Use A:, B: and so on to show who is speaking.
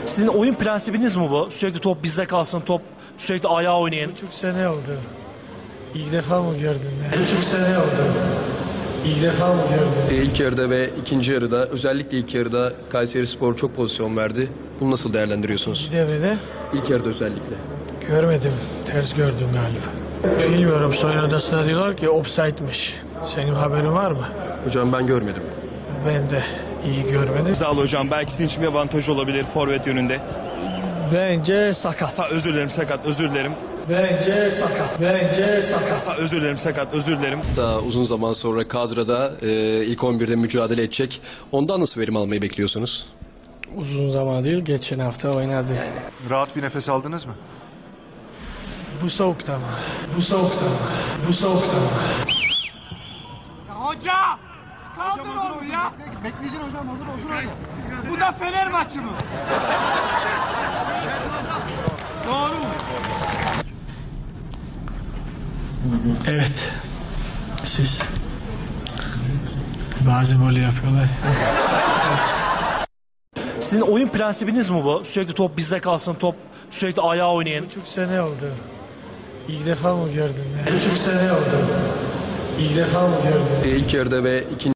A: Sizin oyun prensibiniz mi bu? Sürekli top bizde kalsın, top sürekli ayağa oynayın.
B: Buçuk sene oldu. İlk defa mı gördün? Buçuk sene oldu. İlk defa mı gördün?
C: İlk yarıda ve ikinci yarıda, özellikle ilk yarıda Kayserispor çok pozisyon verdi. Bunu nasıl değerlendiriyorsunuz?
B: Bir devrede
C: İlk yarıda özellikle.
B: görmedim. Ters gördüm galiba. Bilmiyorum, soyun odasına diyorlar ki offside'miş. Senin haberin var mı?
C: Hocam ben görmedim.
B: Ben de iyi görmedim.
D: Sağ ol hocam. Belki sizin için bir avantaj olabilir forvet yönünde.
B: Bence sakat.
D: Özür dilerim, sakat, özür dilerim.
B: Bence sakat. Bence sakat.
D: Özür dilerim, sakat, özür dilerim.
C: Daha uzun zaman sonra kadroda ilk 11'de mücadele edecek. Ondan nasıl verim almayı bekliyorsunuz?
B: Uzun zaman değil, geçen hafta oynadı.
E: Rahat bir nefes aldınız mı?
B: Bu soğukta mı? Bu soğukta mı? Bu soğukta mı?
F: Hoca! Kaldır onu ya! Bekleyeceksin hocam, hazır olsun hadi. Bu da Fener maçı mı? Doğru mu?
B: Evet. Siz. Bazen böyle yapıyorlar.
A: Sizin oyun prensibiniz mi bu? Sürekli top bizde kalsın, top sürekli ayağa oynayın.
B: Buçuk sene oldu. İlk defa mı gördün? Buçuk sene oldu. İlk defa mı gördün?
C: İlk yarıda ve ikinci